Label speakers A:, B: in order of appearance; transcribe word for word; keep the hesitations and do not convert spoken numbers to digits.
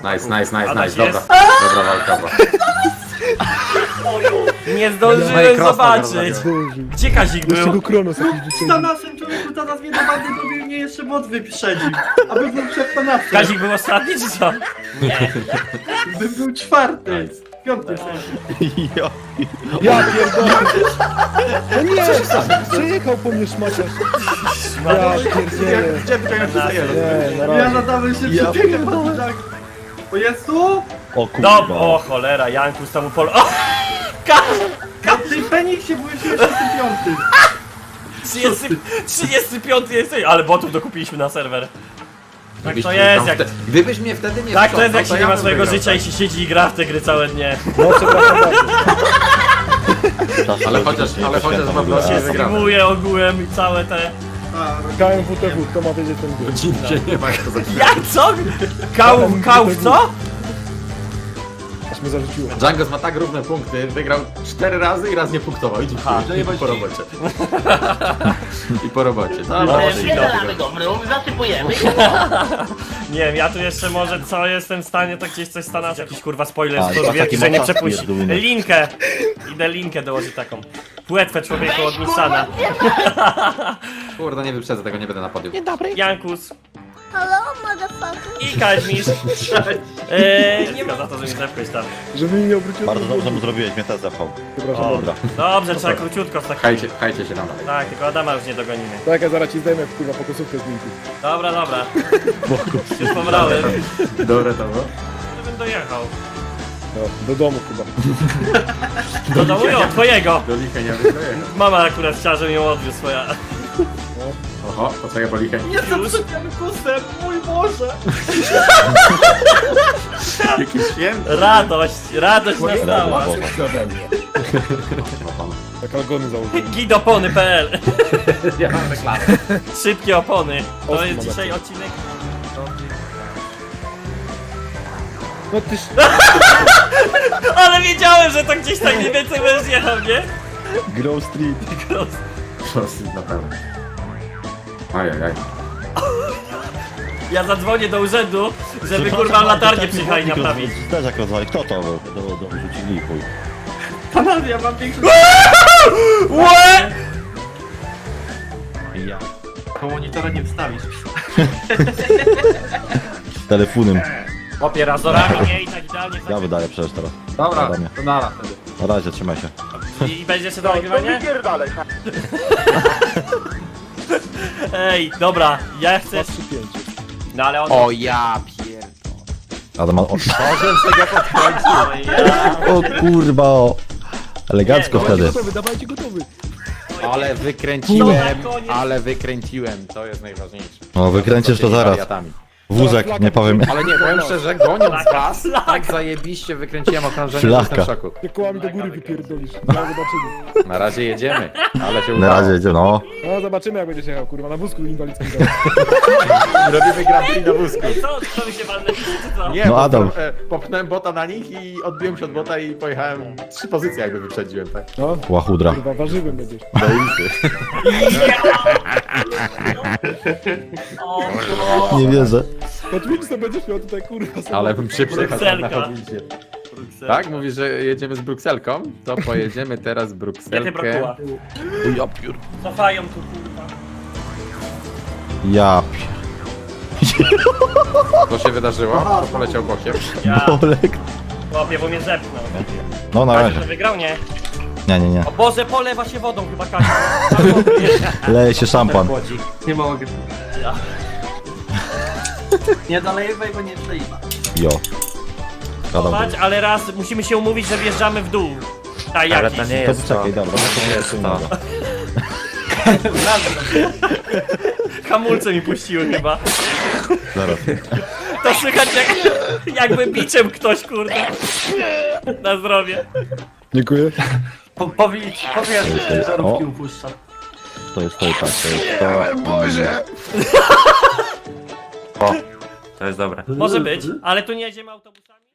A: Nice, nice, nice,
B: Adaś
A: nice, dobra.
B: jest?
A: Dobra walka była.
B: Nie
A: No
B: zdążyłem
A: i cross
B: zobaczyć.
C: Zdążył.
B: Gdzie Kazik
C: Jeszcze
B: był?
C: go Kronos jakiś
D: Za
C: wyciągnął.
D: naszym człowieku teraz mnie do bandy dobił, mnie jeszcze bot wyprzedził. Aby był przed Tanasem.
B: Kazik był ostatni czy co? Nie.
D: By był czwarty. Piąty sensie.
E: Ja.
C: Ja pierdolę. No nie! Przejechał po mnie szmaciarz. Ja pierdzielę.
A: Gdzie tylko już zostaje?
C: Nie, na
D: Ja
C: razie.
D: nadałem się
E: Ja
D: przy tym tak. O Jezu!
E: O
B: No,
E: kurwa.
B: o cholera, Jankus tam upol... O! Ka...
D: Na tej Feniksie byłeś trzydziesty piąty.
B: trzydziesty, trzydziesty piąty jesteś, ale botów dokupiliśmy na serwer. Tak
A: Gdybyś
B: to
A: mnie
B: jest,
A: tam
B: jak...
A: wte- Gdybyś mnie wtedy nie
B: Tak to jest, jak
A: wciągnął,
B: się nie ma
A: ja
B: swojego
A: bym wygrał,
B: życia i się siedzi i gra w te gry całe dnie.
C: No przepraszam bardzo.
A: tak. Ale chociaż, ale chociaż mam
B: Się
A: wrażenie wygrane.
B: streamuje ogółem i całe te...
D: A,
C: K M W T W, kto ma wiedzieć ten gry?
A: Godzinnie nie ma kto zagrać.
B: Jak co? Kał, kał w co?
C: Aż mnie zarzuciło.
A: Django ma tak równe punkty, wygrał cztery razy i raz nie punktował. Idź
B: Aha.
A: i po robocie. I po robocie. No,
B: No,
A: no,
F: Wyzalamy go mrówk, zasypujemy.
B: Nie wiem, ja tu jeszcze może co jestem w stanie, to gdzieś coś stanąć. Jakiś kurwa spoiler
E: A,
B: z
E: i
B: wielki,
E: taki
B: że nie
E: mocarz
B: przepuści.
E: pierdolony.
B: Linkę! Idę linkę dołożyć taką. Płetwę człowieku od Nissana.
A: kurde, nie wyprzedzę tego, nie będę na podium.
B: Jankus
F: Hello, motherfucker.
B: i Kaźmisz. Eee, nie ma za to, że mi zepchłeś tam.
C: Żeby mi nie obróciło.
E: Bardzo dobrze mu zrobiłeś, mnie też zapał.
C: Przepraszam
B: O,
C: bardzo.
B: dobrze, trzeba króciutko w takim...
A: Pchajcie, pchajcie się tam.
B: Tak, tylko Adama już nie dogonimy.
C: Tak, ja zaraz ci zdejmę kurwa po kosówkę z linki.
B: Dobra, dobra. Już pobrałem.
A: Dobre to było.
B: Żebym dojechał.
C: No, do domu chyba.
B: Do domu ją, twojego.
A: Do licha nie wygrałem.
B: Mama akurat chciała, żebym ją odwiózł swoja.
A: Oho, poczekaj po lichę.
D: jestem przed Jankusem, mój Boże!
A: Jakiś święty.
B: Radość, radość nastała.
E: Brawo.
C: Tak algony założyłem.
B: Gidopony kropka p l
A: Ja mam reklamę.
B: Szybkie opony. To
C: Ostry
B: jest
C: ma
B: dzisiaj
C: lecę.
B: odcinek.
C: No tyż...
B: Ale wiedziałem, że to gdzieś tak mniej więcej będziesz jechał, nie?
E: Grove Street.
A: Dosyć na pewno. Ajajaj.
B: Ja zadzwonię do urzędu, żeby kurwa latarnię przyjechali naprawić.
E: Też jak rozwali. Kto to? Do, do, do, rzucili chuj.
D: Panowie, ja mam większy...
B: Łe!
E: Ja.
D: To monitora nie wstawisz.
E: Telefonem.
B: Łapie razorami, nie? I tak idealnie.
E: Ja wydaję przecież teraz.
A: Dobra,
E: Adamie.
A: to nara wtedy.
E: Na razie, trzymaj się.
B: I, i będzie jeszcze do nagrywania? Ej, dobra, ja chcę...
C: trzy pięć.
B: No ale on...
A: O ja pier...
E: Adam ma... O,
B: O, ja...
E: o kurwa, o. Elegancko
B: Nie,
E: wtedy.
C: Gotowy, dawajcie gotowy.
A: Ale wykręciłem,
B: No, na koniec.
A: ale wykręciłem, to jest najważniejsze.
E: No wykręcisz to
A: Tymi
E: zaraz.
A: wariatami.
E: Wózek, nie powiem.
A: Ale nie, powiem szczerze, goniąc
B: Flaka,
A: was,
B: flaka.
A: tak zajebiście wykręciłem okrążenie, że
E: Flaka.
A: jestem w szoku.
C: Jak kołami do góry wypierdolisz. No zobaczymy.
A: Na razie jedziemy, ale się
E: Na
A: udało.
E: razie jedzie, no.
C: No zobaczymy jak będziesz jechał kurwa na wózku inwalidzkim.
A: Robimy Grand Prix na wózku.
B: Ej, co? Co mi się walnęli, czy co?
A: Nie,
E: No,
A: bo
E: Adam.
A: e, popchnąłem bota na nich i odbiłem się od bota i pojechałem trzy pozycje jakby wyprzedziłem, tak?
C: No,
E: Łachudra.
C: kurwa warzywem będziesz.
A: Do ulicy.
B: O,
E: Nie wierzę.
C: Pod Wilson będziesz miał tutaj kurwa sobie.
A: Ale bym przyjechał tam na
B: Brukselka.
A: chodnicie.
B: kurczę.
A: Tak? Mówisz, że jedziemy z Brukselką? To pojedziemy teraz
B: Gdzie ty
A: Brukselkę.
B: brokuła?
E: Ja piór.
B: Cofają tu, kurwa.
E: Ja piór.
A: To się wydarzyło, to poleciał bokiem.
B: Ja,
E: Olek.
B: chłopie, bo mnie zepchnął.
E: No na
B: Kazik
E: razie.
B: to wygrał, nie?
E: Nie, nie, nie.
B: O Boże, polewa się wodą chyba Kazik.
E: Leje się szampan.
D: Nie mogę.
B: Ja.
D: Nie dolejwaj, bo nie przejma.
E: Jo. Adam.
B: Patrz, ale raz musimy się umówić, że wjeżdżamy w dół. Tak, jakiś.
E: To poczekaj, dobra. No to jest innego.
B: Hamulce mi puściły chyba.
E: Zaraz.
B: To słychać jak, jakby biczem ktoś, kurde. Na zdrowie.
C: Dziękuję.
D: Po, powiedz, powiedz, że żarówki
E: O.
D: upuszczam.
E: To jest to i tak, to jest to. Boże.
B: Może być, ale tu nie jedziemy autobusami?